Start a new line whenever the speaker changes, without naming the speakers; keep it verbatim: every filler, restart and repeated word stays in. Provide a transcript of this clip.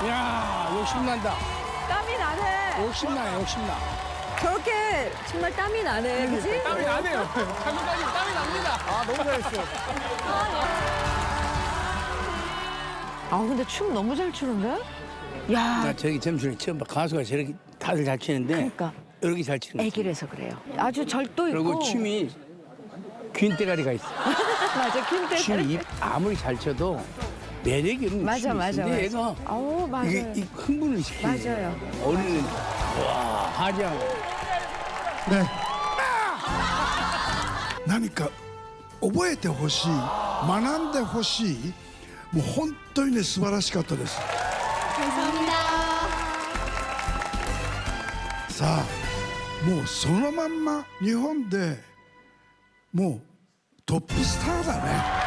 야, 욕심난다.
땀이 나네.
욕심나, 욕심나.
저렇게 정말 땀이 나네, 그지?
땀이 나네요. 장군장님 땀이 납니다.
아, 너무 잘했어.
아, 근데 춤 너무 잘 추는데? 야,
나 저기 점수를 처음 봐. 가수가 저렇게 다들 잘 치는데
그러니까
이렇게 잘 치는 거지.
애기라서 그래요. 아주 절도 있고.
그리고 춤이 균대가리가 있어.
맞아, 퀸대.
춤이 아무리 잘 쳐도 매력이 없는
맞아,
춤이
맞아,
있어. 근데
맞아.
얘가
아우, 맞아요.
이게 이 흥분을 시키는 거야.
맞아요.
어린이 와 하지하고
ね、何か覚えてほしい、学んでほしい、もう本当にね素晴らしかったです。
감사합니다.
さあ、もうそのまんま日本でもうトップスターだね。